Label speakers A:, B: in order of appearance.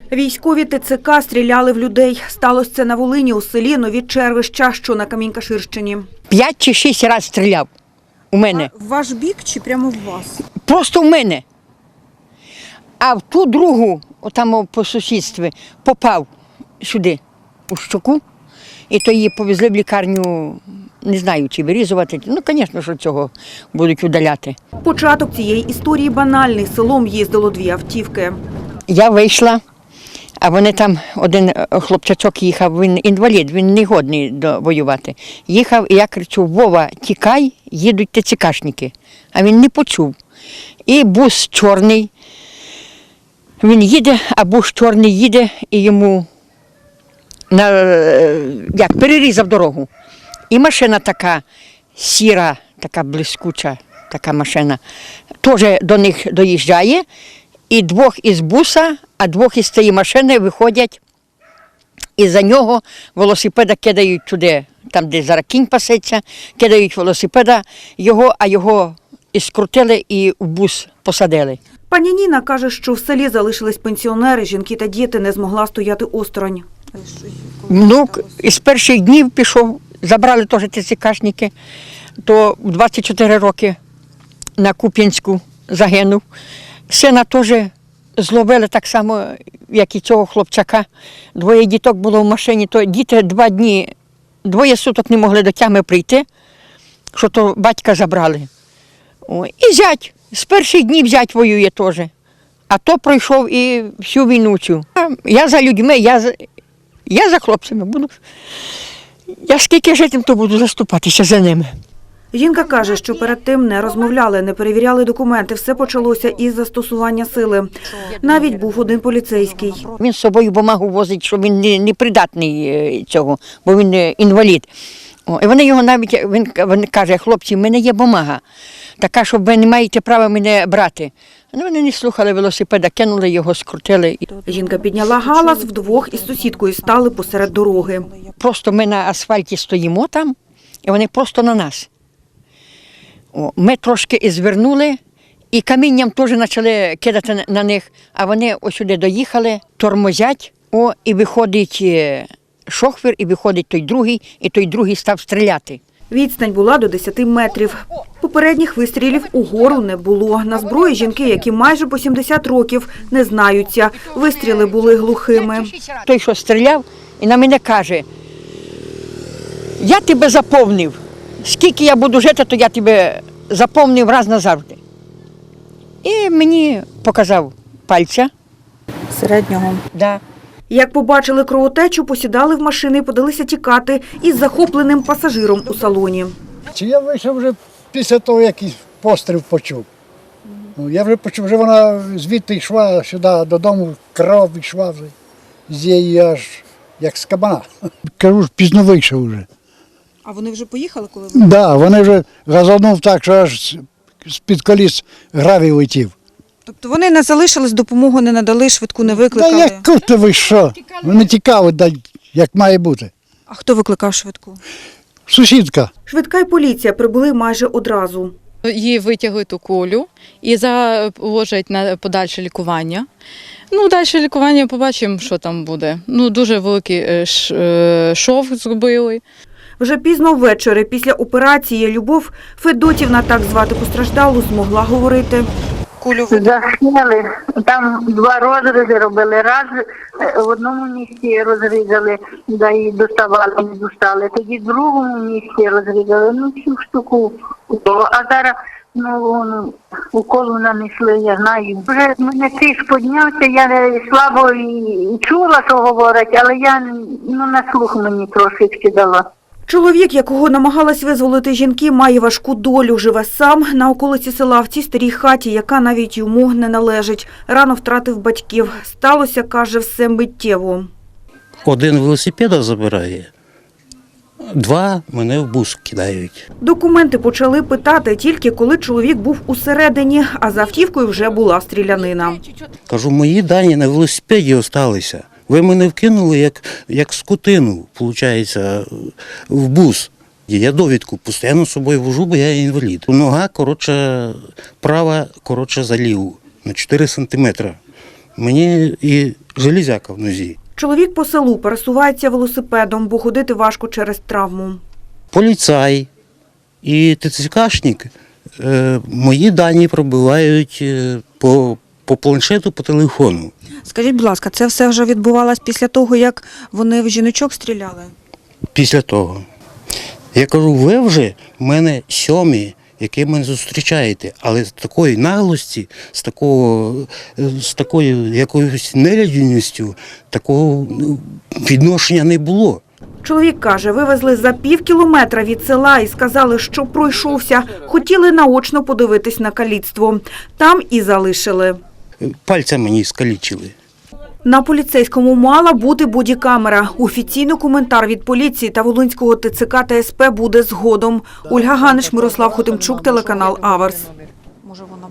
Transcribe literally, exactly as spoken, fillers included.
A: Військові ТЦК стріляли в людей. Сталося це на Волині у селі Нові Червища, що на Камінь-Каширщині.
B: П'ять чи шість разів стріляв у мене.
A: А в ваш бік чи прямо в вас?
B: Просто в мене. А в ту другу, там по сусідстві, попав сюди, у щоку. І то її повезли в лікарню, не знаю, чи вирізувати. Ну, звісно, що цього будуть удаляти.
A: Початок цієї історії банальний. Селом їздило дві автівки.
B: Я вийшла, а вони там, один хлопчачок їхав, він інвалід, він не годний до воювати. Їхав, і я кричу: Вова, тікай, їдуть ТЦКшники. А він не почув. І бус чорний, він їде, а бус чорний їде, і йому на, як, перерізав дорогу. І машина така сіра, така блискуча, така машина, теж до них доїжджає. І двох із буса, а двох із цієї машини виходять, і за нього велосипеда кидають туди, там, де зараз кінь пасеться, кидають велосипеда його, а його і скрутили і в бус посадили.
A: Пані Ніна каже, що в селі залишились пенсіонери, жінки та діти, не змогла стояти осторонь.
B: Внук із перших днів пішов, забрали теж ТЦКшники, то в двадцять чотири роки на Куп'янську загинув. Сина теж зловили так само, як і цього хлопчака. Двоє діток було в машині, то діти два дні, двоє суток не могли до тями прийти, що то батька забрали. О, і зять, з перших днів зять воює теж. А то пройшов і всю війну цю. Я за людьми, я за, я за хлопцями буду. Я скільки житим, то буду заступатися за ними.
A: Жінка каже, що перед тим не розмовляли, не перевіряли документи. Все почалося із застосування сили. Навіть був один поліцейський.
B: Він з собою бумагу возить, що він не, не придатний цього, бо він інвалід. О, і вони його навіть, він, він каже: хлопці, в мене є бумага, така, що ви не маєте права мене брати. Ну, вони не слухали велосипеда, кинули його, скрутили.
A: Жінка підняла галас, вдвох із сусідкою стали посеред дороги.
B: Просто ми на асфальті стоїмо там, і вони просто на нас. О, ми трошки і звернули, і камінням теж почали кидати на них, а вони ось сюди доїхали, тормозять, о, і виходить шофер, і виходить той другий, і той другий став стріляти.
A: Відстань була до десяти метрів. Попередніх вистрілів угору не було. На зброї жінки, які майже по сімдесят років, не знаються. Вистріли були глухими.
B: Той, що стріляв, і на мене каже: я тебе заповнив. Скільки я буду жити, то я тебе заповнив раз назавжди. І мені показав пальця.
A: Середнього.
B: Да.
A: Як побачили кровотечу, посідали в машини і подалися тікати із захопленим пасажиром у салоні.
C: Чи я вийшов вже після того, як постріл почув. Ну, я вже почув, вже вона звідти йшла сюди додому, кров йшла вже з її аж як з кабана. Кажу, ж пізно вийшов вже.
A: А вони вже поїхали, коли ви?
C: Так, да, вони вже газанув так, що аж з-під коліс гравій летів.
D: Тобто вони не залишились, допомогу не надали, швидку не викликали?
C: Та як ти ви що? Вони тікали, да, як має бути.
D: А хто викликав швидку?
C: Сусідка.
A: Швидка й поліція прибули майже одразу.
E: Її витягли у колю і заложать на подальше лікування. Ну, далі лікування побачимо, що там буде. Ну, дуже великий шов зробили.
A: Вже пізно ввечері, після операції, Любов Федотівна, так звати постраждалу, змогла говорити.
D: Кулю
F: Засняли, там два розрізи робили. Раз в одному місці розрізали, да і доставали, не достали. Тоді в другому місці розрізали, ну всю штуку. А зараз ну, уколу нанесли, я знаю. Вже в мене тиск піднявся, я слабо і чула, що говорять, але я ну, на слух мені трошечки дала.
A: Чоловік, якого намагалась визволити жінки, має важку долю. Живе сам на околиці села в цій старій хаті, яка навіть йому не належить. Рано втратив батьків. Сталося, каже, все миттєво.
G: Один велосипеда забирає, два мене в бус кидають.
A: Документи почали питати тільки коли чоловік був усередині, а за автівкою вже була стрілянина.
G: Кажу, мої дані на велосипеді залишилися. Ви мене вкинули як, як скотину, виходить, в бус. Я довідку постійно з собою вожу, бо я інвалід. Нога, коротше, права, коротше, за ліву, на чотири сантиметри. Мені і железяка в нозі.
A: Чоловік по селу пересувається велосипедом, бо ходити важко через травму.
G: Поліцай і ТЦКшник е, мої дані пробивають е, по, по планшету, по телефону.
D: Скажіть, будь ласка, це все вже відбувалось після того, як вони в жіночок стріляли?
G: Після того. Я кажу, ви вже в мене сьомі, які мене зустрічаєте, але з такої наглості, з такого, з такою якоюсь нелюдяністю, такого ну, відношення не було.
A: Чоловік каже, вивезли за пів кілометра від села і сказали, що пройшовся. Хотіли наочно подивитись на каліцтво. Там і залишили.
G: Пальця мені скалічили.
A: На поліцейському мала бути бодікамера. Офіційний коментар від поліції та Волинського ТЦК та СП буде згодом. Ольга Ганиш, Мирослав Хотимчук, телеканал Аверс.
D: Може, вона